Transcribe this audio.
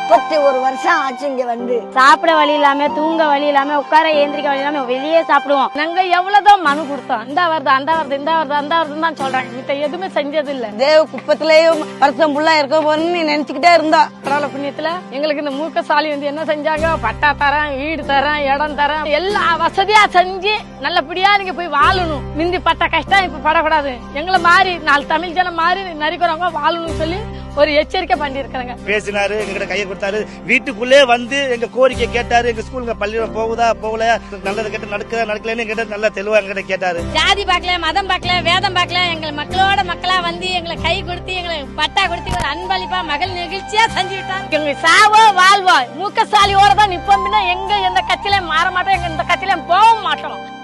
31 வருஷம் ஆச்சு இங்க வந்து. சாப்பிட வழி இல்லாம, தூங்க வழி இல்லாம, உட்கார ஏந்திரிக்க வழி இல்லாம வெளியே சாப்பிடுவோம். நாங்க எவ்வளவுதான் மனு கொடுத்தோம், இந்த வருது அந்த வருது இந்த வருது அந்த வருதுன்னு தான் சொல்றாங்க. மித்த எதுவுமே செஞ்சது இல்ல. தேவ குப்பத்திலேயும் வருஷம் ஃபுல்லா இருக்க போறேன்னு நினைச்சுக்கிட்டே இருந்தோம். கடவுள புண்ணியத்துல எங்களுக்கு இந்த மூக்கசாலி வந்து என்ன செஞ்சாங்க, பட்டா தரேன், வீடு தரேன், இடம் தரேன், எல்லா வசதியா செஞ்சு நல்லபடியா நீங்க போய் வாழணும். மிந்தி பட்ட கஷ்டம் இப்ப படக்கூடாது. எங்களை மாறி 4 தமிழ் ஜனம் மாறி நரிக்கிறவங்க வாழணும்னு சொல்லி ஒரு எச்சரிக்கை பண்ணி இருக்காங்க. பேசினாரு, எங்கிட்ட கையை கொடுத்தாரு, வீட்டுக்குள்ளே வந்து எங்க கோரிக்கை கேட்டாரு. எங்க ஸ்கூலுங்க பள்ளியில போகுதா போகல, நல்லது கேட்ட நடக்கலன்னு எங்கிட்ட நல்லா தெளிவா எங்கிட்ட கேட்டாரு. ஜாதி பார்க்கல, மதம் பார்க்கல, வேதம் பார்க்கல, எங்க மக்களோட மக்களா வந்து எங்களை கை கொடுத்து எங்களை பட்டா கொடுத்து ஒரு அன்பளிப்பா மகள் நிகழ்ச்சியா செஞ்சு விட்டாங்க. எங்க சாவோ வாழ்வோ மூக்கசாலியோட தான் நிப்போம். எங்க எந்த கட்சியில மாற மாட்டோம், எங்க இந்த கட்சியில போக மாட்டோம்.